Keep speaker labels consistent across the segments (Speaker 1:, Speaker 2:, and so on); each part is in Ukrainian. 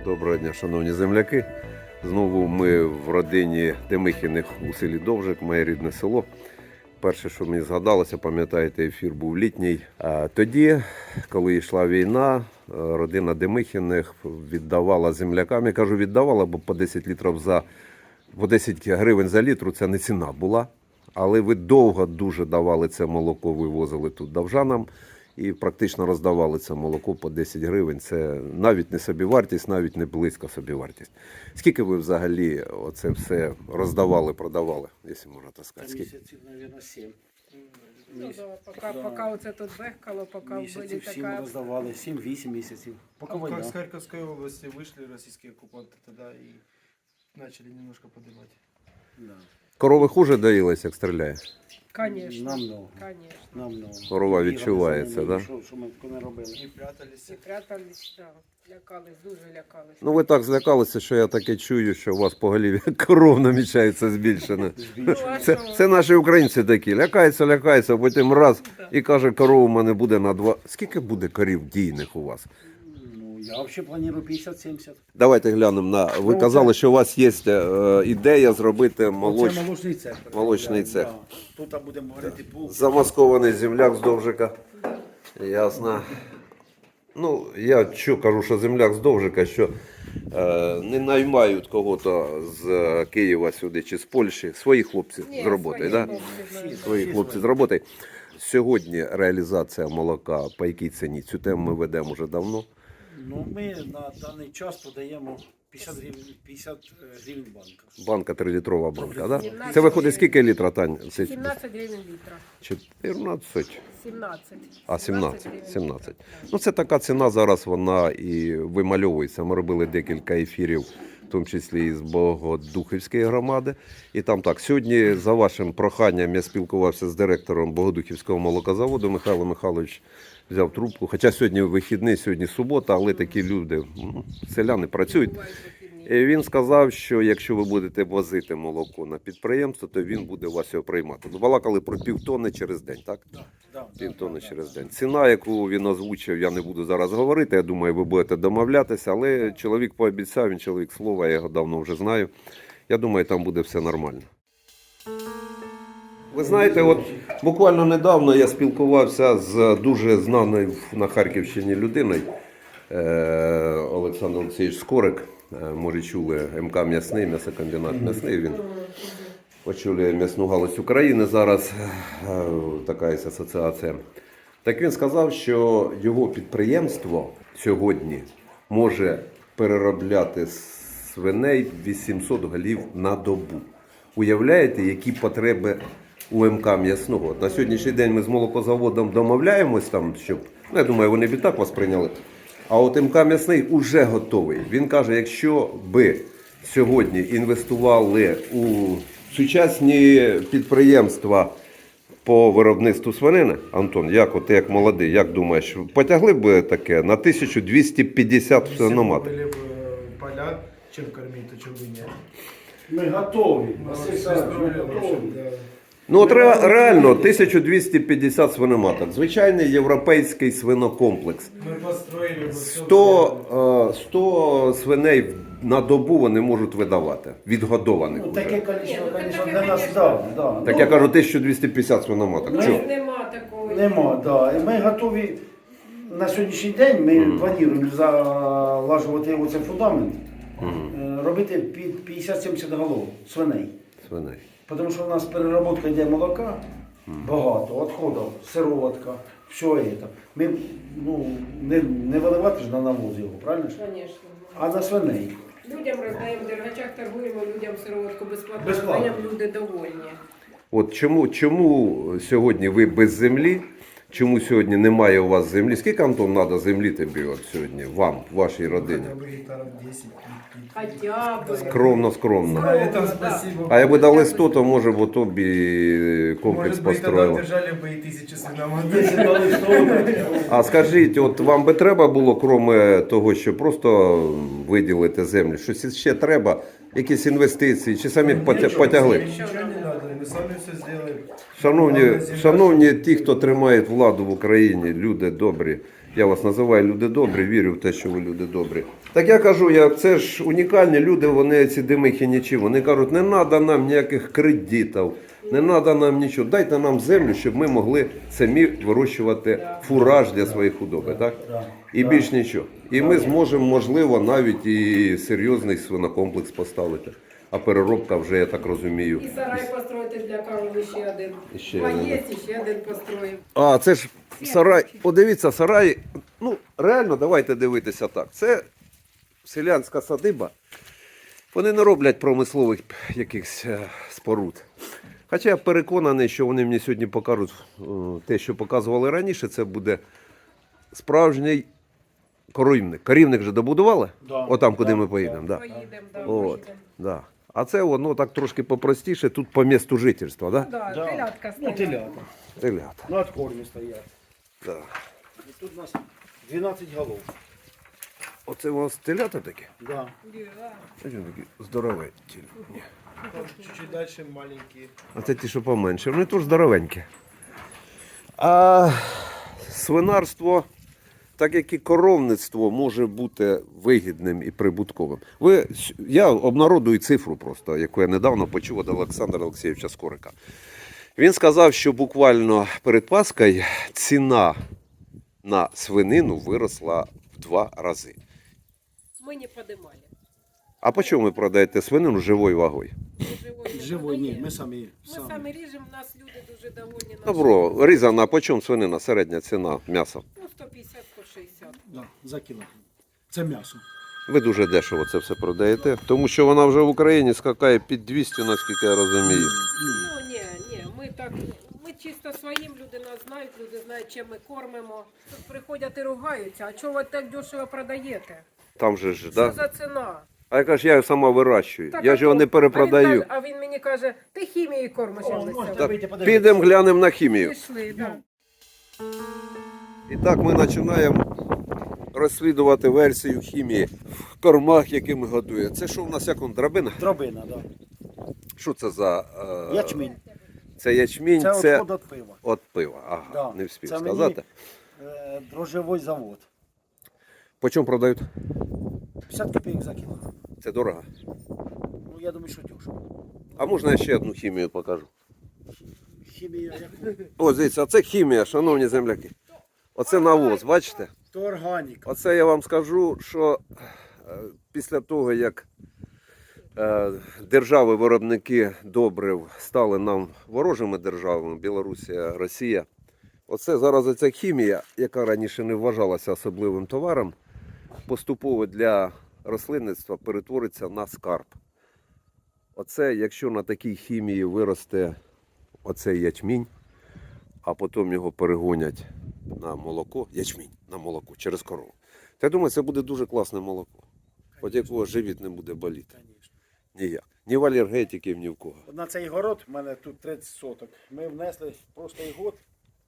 Speaker 1: Доброго дня, шановні земляки. Знову ми в родині Демихіних у селі Довжик, моє рідне село. Перше, що мені згадалося, пам'ятаєте, ефір був літній. А тоді, коли йшла війна, родина Демихіних віддавала землякам. Я кажу, віддавала, бо по 10 літрів по 10 гривень за літру це не ціна була. Але ви довго дуже давали це молоко, вивозили тут довжанам. І практично роздавали це молоко по 10 гривень. Це навіть не собівартість, навіть не близько собівартість. Скільки ви взагалі оце все роздавали, продавали, якщо можна так сказати?
Speaker 2: Місяців, мабуть, 7.
Speaker 3: Ну, да, поки оце тут бехкало, поки були
Speaker 2: Місяців 7
Speaker 3: така...
Speaker 2: роздавали, 7-8 місяців. Поки
Speaker 4: Как
Speaker 2: війна.
Speaker 4: с Харьковской области вышли российские оккупанты тогда и начали немножко поднимать.
Speaker 2: Да.
Speaker 1: Корови хуже доїлись, як стріляє?
Speaker 3: Конечно,
Speaker 2: Намного.
Speaker 3: конечно.
Speaker 2: Намного.
Speaker 1: Корова
Speaker 2: Бігали
Speaker 1: відчувається,
Speaker 2: за ними,
Speaker 1: да?
Speaker 2: Що ми не робили?
Speaker 4: И прятались.
Speaker 3: І прятались, да, лякались, дуже лякались.
Speaker 1: Ну ви так злякалися, що я таке чую, що у вас поголів'я коров намічається збільшене.
Speaker 3: Ну, а
Speaker 1: Це,
Speaker 3: що?
Speaker 1: це наші українці такі. Лякаються, потім раз і каже, коров у мене буде на 2. Скільки буде корів дійних у вас?
Speaker 2: Ну, я взагалі планую 50-70.
Speaker 1: Давайте глянемо на. Ви
Speaker 2: Ну,
Speaker 1: казали,
Speaker 2: це-
Speaker 1: що у вас є ідея зробити
Speaker 2: Це
Speaker 1: молочний.
Speaker 2: молочний цех.
Speaker 1: Молочний цех.
Speaker 2: Да. Тут будемо говорити пул.
Speaker 1: Замаскований земляк з Довжика. Ясно. Ну, я що кажу, що земляк з Довжика, що не наймають кого-то з Києва сюди чи з Польщі. Свої хлопці
Speaker 3: Ні,
Speaker 1: з роботи,
Speaker 3: свої
Speaker 1: да?
Speaker 3: хлопці, да.
Speaker 1: Свої хлопці з роботи. Сьогодні реалізація молока по якій ціні? Цю тему ми ведемо вже давно.
Speaker 2: Ну, ми на даний час подаємо 50 гривень банка.
Speaker 1: Банка 3-літрова банка, да?
Speaker 3: 17
Speaker 1: Це виходить скільки літра, Тань? Це
Speaker 3: 17 гривень літра.
Speaker 1: 14.
Speaker 3: 17.
Speaker 1: А, 17.
Speaker 3: гривень
Speaker 1: 17.
Speaker 3: літра.
Speaker 1: Ну, це така ціна зараз, вона і вимальовується. Ми робили декілька ефірів, в тому числі і з Богодухівської громади. І там так, сьогодні, за вашим проханням, я спілкувався з директором Богодухівського молокозаводу. Михайло Михайлович взяв трубку. Хоча сьогодні вихідний, сьогодні субота, але такі люди, селяни працюють.
Speaker 3: Бувають вихідні.
Speaker 1: І він сказав, що якщо ви будете возити молоко на підприємство, то він буде у вас його приймати. Ну, балакали про півтонни через день, так? Півтонни через день. Ціна, яку він озвучив, я не буду зараз говорити. Я думаю, ви будете домовлятися, але чоловік пообіцяв, він чоловік слова, я його давно вже знаю. Я думаю, там буде все нормально. Ви знаєте, от буквально недавно я спілкувався з дуже знаною на Харківщині людиною, Олександр Олексійович Скорик. Може, чули, МК «М'ясний», м'ясокомбінат «М'ясний». Він очолює м'ясну галузь України зараз, така є асоціація. Так він сказав, що його підприємство сьогодні може переробляти свиней 800 голів на добу. Уявляєте, які потреби у МК «М'ясного»? На сьогоднішній день ми з молокозаводом домовляємось, там, щоб, ну, я думаю, вони б і так вас прийняли. А от МК «М'ясний» уже готовий. Він каже, якщо би сьогодні інвестували у сучасні підприємства по виробництву свинини, Антон, як от ти як молодий, як думаєш, потягли б таке на 1250
Speaker 4: Если бы
Speaker 1: свиноматок?
Speaker 4: были бы поля, чем кормить, то чем бы нет.
Speaker 2: Ми готові.
Speaker 4: Ну,
Speaker 2: Василь
Speaker 4: без
Speaker 2: Савич, ми
Speaker 4: проблем
Speaker 2: готові.
Speaker 4: вообще, да.
Speaker 1: Ну от реально 1250 свиноматок. Звичайний європейський свинокомплекс.
Speaker 4: Мы построили бы всё
Speaker 1: 100 свиней на добу вони можуть видавати, відгодованих
Speaker 2: Ну,
Speaker 1: уже.
Speaker 2: таке
Speaker 3: Ні,
Speaker 2: кількість,
Speaker 3: ну,
Speaker 2: звісно,
Speaker 3: таке,
Speaker 2: для нас,
Speaker 3: конечно.
Speaker 2: да.
Speaker 1: Так я кажу 1250 свиноматок.
Speaker 3: Ну,
Speaker 1: Чого?
Speaker 3: нема такої.
Speaker 2: Нема, да. І ми готові на сьогоднішній день, ми плануємо залажувати оцей фундамент, робити під 50-70 голов свиней.
Speaker 1: Свиней.
Speaker 2: Тому що у нас переробка йде молока, багато, відходів, сироватка, все це. Ми не виливати ж на навоз його, правильно ж?
Speaker 3: Звісно.
Speaker 2: А на свиней.
Speaker 3: Людям роздаємо, в дергачах торгуємо, людям сироватку безплатно
Speaker 2: Безплатно.
Speaker 3: роздаємо, люди довольні.
Speaker 1: От чому сьогодні ви без землі? Чому сьогодні немає у вас землі? Скільки, Антон, треба землі тобі от сьогодні, вам, вашій родині?
Speaker 4: Хотя бы гектаров 10.
Speaker 3: Хоча б.
Speaker 1: Скромно.
Speaker 4: А это спасибо.
Speaker 1: А якби дали 100, то може б ото б і комплекс
Speaker 4: Может быть, тогда
Speaker 1: построїли.
Speaker 4: держали бы и 1000 свиноматок.
Speaker 2: Якщо дали 100,
Speaker 1: А скажіть, от вам би треба було, крім того, що просто виділити землю, щось ще треба, якісь інвестиції, чи самі потягли?
Speaker 4: Ничего не надо. мы сами все сделаем.
Speaker 1: Шановні ті, хто тримає владу в Україні, люди добрі. Я вас називаю люди добрі, вірю в те, що ви люди добрі. Так я кажу, це ж унікальні люди, вони ці димихи нічі. Вони кажуть, не треба нам ніяких кредитів, не треба нам нічого. Дайте нам землю, щоб ми могли самі вирощувати фураж для своєї худоби. Так? І більш нічого. І ми зможемо, можливо, навіть і серйозний свинокомплекс поставити. А переробка вже, я так розумію.
Speaker 3: І сарай построїти для корови ще один.
Speaker 1: Ще
Speaker 3: Маєць і ще один построїв.
Speaker 1: А, це ж сарай. Подивіться, сарай. Ну, реально, давайте дивитися так. Це селянська садиба. Вони не роблять промислових якихось споруд. Хоча я переконаний, що вони мені сьогодні покажуть те, що показували раніше, це буде справжній корівник. Корівник вже добудували?
Speaker 2: Да.
Speaker 1: Отам, куди ми поїдемо. Да.
Speaker 3: Поїдемо, да,
Speaker 1: От,
Speaker 3: поїдемо.
Speaker 1: да. А це воно так трошки попростіше, тут по місту жительства, да?
Speaker 3: Да,
Speaker 2: Да.
Speaker 3: телятка
Speaker 2: Ну,
Speaker 3: стоїть.
Speaker 2: телята.
Speaker 1: Телята.
Speaker 2: На откормі стоять.
Speaker 1: Да.
Speaker 2: І тут у нас 12 голов.
Speaker 1: Оце у вас телята такі?
Speaker 2: Да.
Speaker 3: Да.
Speaker 1: Ось вони такі здоровенькі. Ні.
Speaker 4: Чуть-чуть дальше маленькие.
Speaker 1: А це ті, що поменше. Вони теж здоровенькі. А свинарство, так як і коровництво, може бути вигідним і прибутковим. Я обнародую цифру просто, яку я недавно почув від Олександра Олексійовича Скорика. Він сказав, що буквально перед Паскою ціна на свинину виросла в 2 рази.
Speaker 3: Ми не подимали.
Speaker 1: А по чому ви продаєте свинину живою вагою?
Speaker 2: Живой, ні, ми самі.
Speaker 3: Ми самі ріжемо, у нас люди дуже довольні.
Speaker 1: Добро, різана, а по чому свинина, середня ціна м'яса?
Speaker 3: Ну, 150-160.
Speaker 2: Да, за кілограм. Це м'ясо.
Speaker 1: Ви дуже дешево це все продаєте, тому що вона вже в Україні скакає під 200, наскільки я розумію.
Speaker 3: Ну, ні, ми так, ми чисто своїм, люди нас знають, люди знають, чим ми кормимо. Тут приходять і ругаються, а чого ви так дешево продаєте?
Speaker 1: Там же ж,
Speaker 3: Що
Speaker 1: да?
Speaker 3: за ціна?
Speaker 1: А я кажу, я його сама вирощую,
Speaker 3: Так,
Speaker 1: я
Speaker 3: а
Speaker 1: ж його
Speaker 3: то-
Speaker 1: не перепродаю.
Speaker 3: А він мені каже, ти хімією кормиш. я
Speaker 2: можна
Speaker 3: лися.
Speaker 1: Так,
Speaker 2: вийти подивитися.
Speaker 1: підемо глянемо на хімію.
Speaker 3: Пішли, так.
Speaker 1: І так ми починаємо розслідувати версію хімії в кормах, які ми годуємо. Це що в нас, як он, драбина?
Speaker 2: Дробина, да.
Speaker 1: Що це за...
Speaker 2: Ячмінь.
Speaker 1: Це ячмінь,
Speaker 2: Це
Speaker 1: це
Speaker 2: відход від пива.
Speaker 1: от пива. Ага,
Speaker 2: Да.
Speaker 1: не встиг
Speaker 2: Це
Speaker 1: сказати.
Speaker 2: мені дрожжевий завод.
Speaker 1: По чому продають?
Speaker 2: 50 копійок за кілограм.
Speaker 1: Це дорого.
Speaker 2: Ну, я думаю, що дешево.
Speaker 1: А можна я ще одну хімію покажу?
Speaker 2: Хімія, яку?
Speaker 1: Ось дивіться, а це хімія, шановні земляки. Оце навоз, бачите?
Speaker 2: То органіка.
Speaker 1: Оце я вам скажу, що після того, як держави-виробники добрив стали нам ворожими державами, Білорусія, Росія, оце зараз оця хімія, яка раніше не вважалася особливим товаром, поступово для рослинництва перетвориться на скарб. Оце, якщо на такій хімії виросте оцей ячмінь, а потім його перегонять на молоко, ячмінь на молоко через корову. То я думаю, це буде дуже класне молоко. От якого живіт не буде боліти. Ніяк. Ні в алергетиків, ні в кого.
Speaker 2: На цей город, в мене тут 30 соток, ми внесли в прошлий год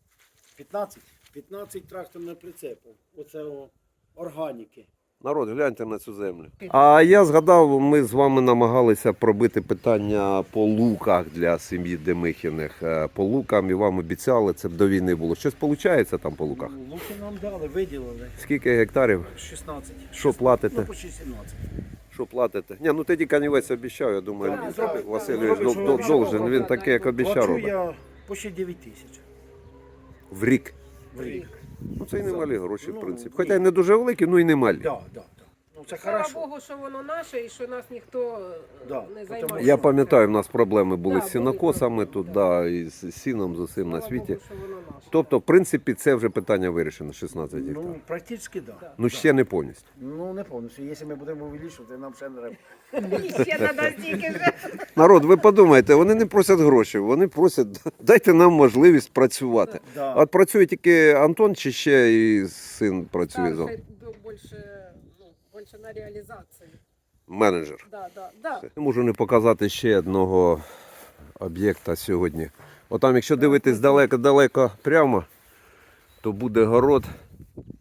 Speaker 2: 15 тракторних прицепів. Оце органіки.
Speaker 1: Народ, гляньте на цю землю. А я згадав, ми з вами намагалися пробити питання по луках для сім'ї Демихіних. По лукам і вам обіцяли, це б до війни було. Щось виходить там по луках?
Speaker 2: Ну, луки нам дали, виділили.
Speaker 1: Скільки гектарів?
Speaker 2: 16.
Speaker 1: Що платите?
Speaker 2: Ну, почти 17.
Speaker 1: Що платите? Ні, ну тоді Канівець обіцяв, я думаю,
Speaker 2: Так, зробить.
Speaker 1: Васильович
Speaker 2: Зробить, що обіцяв.
Speaker 1: должен, він таке, як обіцяв
Speaker 2: Плачу
Speaker 1: робить.
Speaker 2: я почти 9 тисяч
Speaker 1: В рік.
Speaker 2: в рік.
Speaker 1: Ну це і немалі гроші, в
Speaker 2: Ну,
Speaker 1: принципі.
Speaker 2: ні.
Speaker 1: Хоча й не дуже великі, ну і немалі.
Speaker 2: Да, да, да. Ну, це
Speaker 3: Слава
Speaker 2: хорошо.
Speaker 3: Богу, що воно наше і що нас ніхто
Speaker 2: Да,
Speaker 3: не
Speaker 2: потому
Speaker 3: займає.
Speaker 1: Я пам'ятаю, в нас проблеми були
Speaker 3: Да,
Speaker 1: з
Speaker 3: були
Speaker 1: сінокосами
Speaker 3: проблеми,
Speaker 1: тут,
Speaker 3: да.
Speaker 1: да, і з сіном, з усім на
Speaker 3: Слава
Speaker 1: світі.
Speaker 3: Богу, що воно наше.
Speaker 1: Тобто, в принципі, це вже питання вирішено, 16 гектарів.
Speaker 2: Ну, практично, да.
Speaker 1: Ну, ще не повністю.
Speaker 2: Ну, не повністю. Якщо ми будемо увеличувати, нам ще не треба.
Speaker 3: Ще треба стільки вже.
Speaker 1: Народ, ви подумайте, вони не просять грошей, вони просять, дайте нам можливість працювати.
Speaker 2: Да.
Speaker 1: А от працює тільки Антон чи ще і син працює за
Speaker 3: Більше на реалізації.
Speaker 1: менеджер?
Speaker 3: Да, да, да.
Speaker 1: Не можу не показати ще одного об'єкта сьогодні. Отам, якщо дивитись далеко-далеко прямо, то буде город.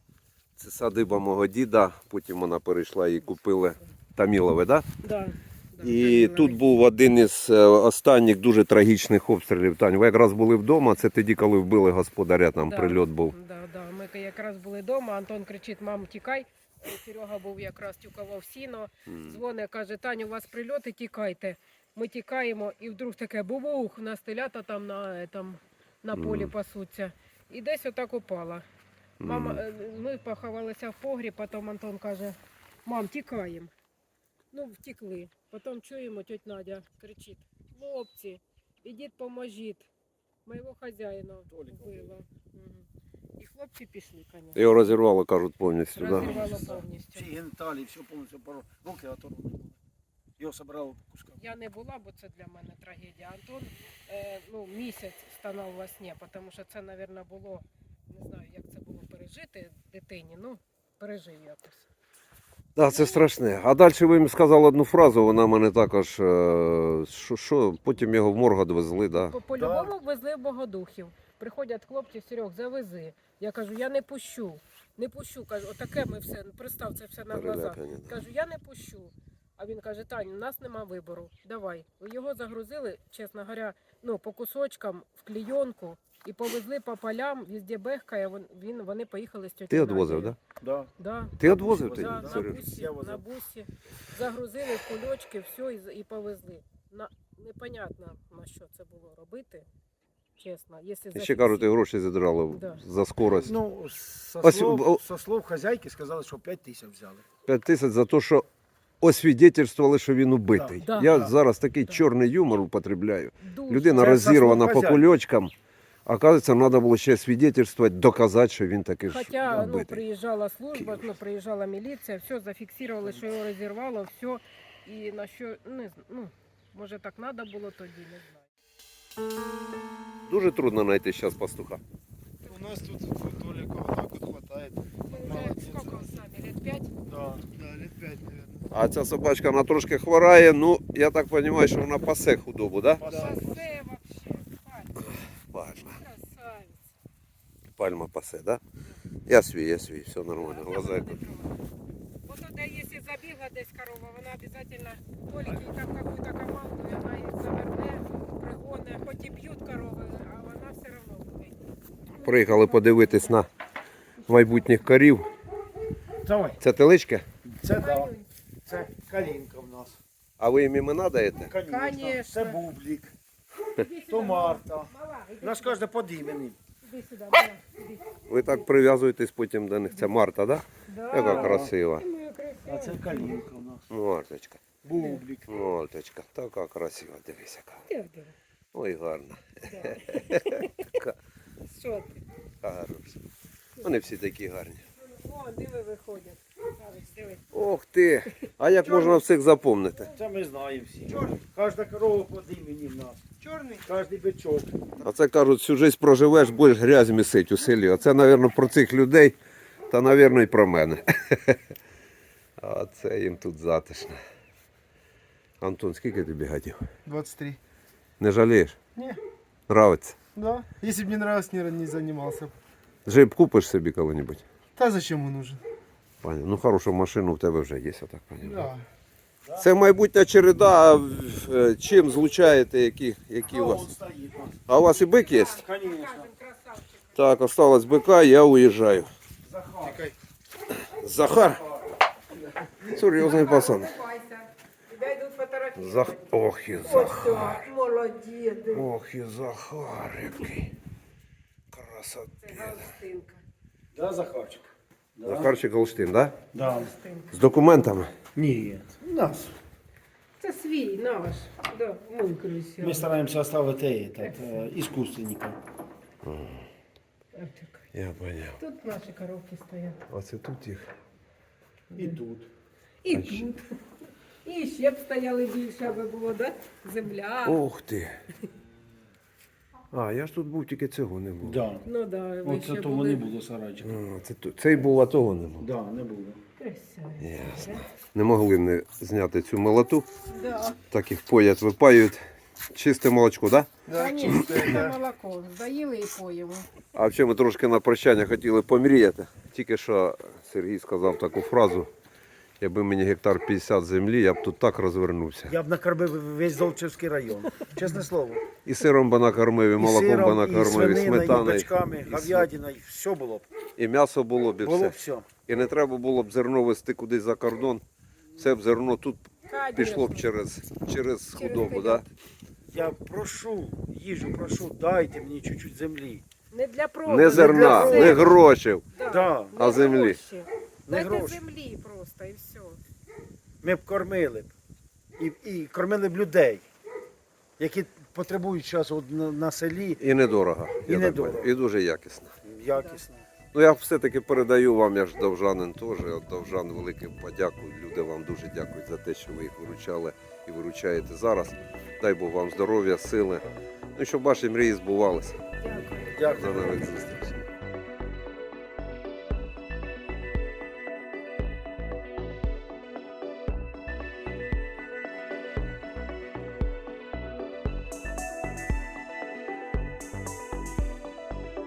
Speaker 1: Це садиба мого діда, потім вона перейшла і купили Тамілове, да?
Speaker 3: Да. Да,
Speaker 1: І
Speaker 3: загинули.
Speaker 1: тут був один із останніх дуже трагічних обстрілів. Тань, ви якраз були вдома, це тоді, коли вбили господаря, там
Speaker 3: Да,
Speaker 1: прильот був.
Speaker 3: Да. Ми якраз були вдома, Антон кричить: мам, тікай. Серега був якраз тюкавав сіно, дзвоне, каже: Таню, у вас прильоти, тікайте. Ми тікаємо, і вдруг таке бубух, у нас телята там на полі пасуться. І десь отак упала. Мама, ми поховалися в погріб, потім Антон каже: мам, тікаємо. Ну, втекли. Потім чуємо, тьотя Надя кричить: хлопці, ідіть поможіть. Моєго хазяїна вбило. І хлопці пішли, звісно.
Speaker 1: Його розірвало, кажуть, повністю. Да?
Speaker 3: Розірвало повністю.
Speaker 2: Всі геніталії, все повністю руки оторвані були. Його собрали по кускам.
Speaker 3: Я не була, бо це для мене трагедія. Антон місяць стонав во сні, тому що це, мабуть, було, не знаю, як це було пережити дитині, ну, пережив якось.
Speaker 1: Так, це страшне. А далі ви їм сказали одну фразу, вона мене також, що потім його в морг відвезли, да?
Speaker 3: По-любому везли в Богодухів. Приходять хлопці: Серег, завези. Я кажу: я не пущу. Не пущу. Кажу, отаке ми все, представ, це все на глазах.
Speaker 1: Перелякані, да.
Speaker 3: Кажу, я не пущу. А він каже: Тань, у нас нема вибору. Давай. Його загрузили, чесно говоря, по кусочкам в клійонку і повезли по полям, везде бехкає, вони поїхали з тьотю
Speaker 1: Ти
Speaker 3: Надією.
Speaker 1: відвозив, так?
Speaker 2: Да.
Speaker 3: Да.
Speaker 1: Ти відвозив
Speaker 2: Да,
Speaker 1: тоді?
Speaker 3: Да, на
Speaker 1: Серйозно?
Speaker 3: бусі,
Speaker 2: Я возив.
Speaker 3: на бусі. Загрузили в кульочки, все і повезли. Непонятно, на що це було робити, чесно. Якщо
Speaker 1: І ще кажуть, і гроші зідрали
Speaker 3: Да.
Speaker 1: за скорость.
Speaker 2: Ну,
Speaker 1: Ось,
Speaker 2: со слов хазяйки сказали, що 5 тисяч взяли.
Speaker 1: 5 тисяч за те, що освідетельствували, що він убитий.
Speaker 3: Да.
Speaker 1: Я
Speaker 2: Да.
Speaker 1: зараз такий
Speaker 3: Да.
Speaker 1: чорний юмор употребляю.
Speaker 3: дуже.
Speaker 1: Людина
Speaker 2: Це
Speaker 1: розірвана
Speaker 2: заслуг
Speaker 1: по
Speaker 2: хазяїна.
Speaker 1: кульочкам. Оказується, треба було ще свідетельствувати, доказати, що він таки ж
Speaker 3: Хоча
Speaker 1: убитий.
Speaker 3: приїжджала служба, приїжджала міліція, все зафіксували, що його розірвало, все. І на що, може так треба було тоді, не знаю.
Speaker 1: Дуже трудно знайти зараз пастуха.
Speaker 4: У нас тут Толика вот так вот хватает.
Speaker 3: Вже скільки з нами, лет 5?
Speaker 4: Да, лет 5, наверное.
Speaker 1: А ця собачка, вона трошки хворає, ну, я так розумію, що вона пасе худобу, так? Да?
Speaker 3: Пасе вообще,
Speaker 1: Пальма.
Speaker 3: красавець.
Speaker 1: Пальма пасе, да? Я свій, все нормально. Глаза як...
Speaker 3: Вот туда, если забегла десь корова, вона обязательно Толики там какую-то команду, и она их заверне, пригоне, хоть и бьют коровы, а вона все равно буде.
Speaker 1: Приїхали подивитись на майбутніх корів.
Speaker 2: Давай.
Speaker 1: Це телички?
Speaker 2: Це да. Це калінка в нас.
Speaker 1: А ви їм імена даєте?
Speaker 2: Конечно. Це бублік. То Марта. У нас кожен під іменем.
Speaker 3: Іди сюди, мала, іди.
Speaker 1: Ви так прив'язуєтесь потім до них. Це Марта, так? Да?
Speaker 3: Да.
Speaker 1: Яка красива.
Speaker 3: Моя красива.
Speaker 2: А це калінка в нас.
Speaker 1: Марточка.
Speaker 2: Бублік.
Speaker 1: Марточка. Така красива, дивись яка.
Speaker 3: Де, де?
Speaker 1: Ой, гарна.
Speaker 3: Що ти?
Speaker 1: Хороша. Вони всі такі гарні.
Speaker 3: О, диви виходять. Дивись, диви.
Speaker 1: Ох ти! А як можна всіх запомнити?
Speaker 2: Це ми знаємо всі. Кожна корова під іменем в нас.
Speaker 4: Черный?
Speaker 2: Кожний бичок.
Speaker 1: А це кажуть, всю життя проживеш, будеш грязь місить у селі. Оце, мабуть, про цих людей, та, мабуть, і про мене. А це їм тут затишно. Антон, скільки тобі гадів?
Speaker 4: 23.
Speaker 1: Не жалієш?
Speaker 4: Не.
Speaker 1: Нравиться?
Speaker 4: Да. Если бы не нравилось, не занимался.
Speaker 1: Джип купиш собі коли-небудь?
Speaker 4: Да зачем он нужен?
Speaker 1: Пані, ну хорошу машину в тебе вже є, я так розумію.
Speaker 4: Да.
Speaker 1: Це майбутня череда, а чим злучаєте, які у вас?
Speaker 2: Он стоїть у нас.
Speaker 1: А у вас і бик є?
Speaker 2: Конечно.
Speaker 3: Кажем, красавчик.
Speaker 1: Так, осталось бика, я уїжджаю.
Speaker 2: Захар.
Speaker 1: Захар. Серйозний пацан.
Speaker 3: Улыбайся. Тебя идут фотографировать.
Speaker 1: Ох і
Speaker 3: Ось
Speaker 1: Захар.
Speaker 3: так, молодець.
Speaker 1: Ох і Захар який. Красота.
Speaker 3: Це Галстинка.
Speaker 2: Да, Захарчик? Да.
Speaker 1: Захарчик Голштин, да?
Speaker 2: Да.
Speaker 1: З документами?
Speaker 2: Ні. У нас.
Speaker 3: Це свій, наш. Да, мой красивый.
Speaker 2: Ми стараємося оставити іскусственника.
Speaker 1: Я поняв.
Speaker 3: Тут наші коровки стоять.
Speaker 1: Оце тут їх.
Speaker 2: І тут.
Speaker 3: І тут. І ще б стояли більше, аби було, да? Земля.
Speaker 1: Ох ти. А, я ж тут був, тільки цього не було.
Speaker 2: Да.
Speaker 3: Ну да, ви
Speaker 2: Оце
Speaker 3: ще
Speaker 2: того
Speaker 3: були.
Speaker 2: не було сарайчика.
Speaker 1: А, цей був, а того не було.
Speaker 2: Да, не було.
Speaker 3: Красаві.
Speaker 1: Ясно. Не могли не зняти цю молоту.
Speaker 3: Да.
Speaker 1: Так їх поять, випаюють. Чисте молочко, так? Да?
Speaker 3: Конечно, це молоко. Доїли і поїмо.
Speaker 1: А ще ми трошки на прощання хотіли помріяти. Тільки що Сергій сказав таку фразу. Якби мені гектар 50 землі, я б тут так розвернувся.
Speaker 2: Я б накормив весь Золочівський район. Чесне слово.
Speaker 1: І сиром би накормив, і молоком би
Speaker 2: сиром, і
Speaker 1: накормив, і
Speaker 2: свининою, і
Speaker 1: сметаною.
Speaker 2: бачками, говядиною, все було б.
Speaker 1: І м'ясо було б, і
Speaker 2: Було
Speaker 1: все.
Speaker 2: б все.
Speaker 1: І не треба було б зерно везти кудись за кордон. Все б зерно тут пішло б через худобу. Да?
Speaker 2: Я прошу, їжу, прошу, дайте мені чуть-чуть землі.
Speaker 3: Не для продажу.
Speaker 1: Не зерна,
Speaker 2: для
Speaker 1: не
Speaker 2: себе.
Speaker 1: грошей.
Speaker 2: Да.
Speaker 1: А землі?
Speaker 3: Гроші.
Speaker 2: Не
Speaker 3: Дайте
Speaker 2: гроші.
Speaker 3: землі просто і все.
Speaker 2: Ми б кормили б. І кормили б людей, які потребують зараз на селі
Speaker 1: І недорого.
Speaker 2: І
Speaker 1: я так
Speaker 2: недорого.
Speaker 1: бачу. І дуже якісно.
Speaker 2: якісно.
Speaker 1: Ну я все-таки передаю вам, я ж довжанин теж. От довжан велике подяку. Люди вам дуже дякують за те, що ви їх виручали і виручаєте зараз. Дай Бог вам здоров'я, сили. Ну і щоб ваші мрії збувалися.
Speaker 3: Дякую.
Speaker 2: Дякую.
Speaker 1: До нових зустрічей.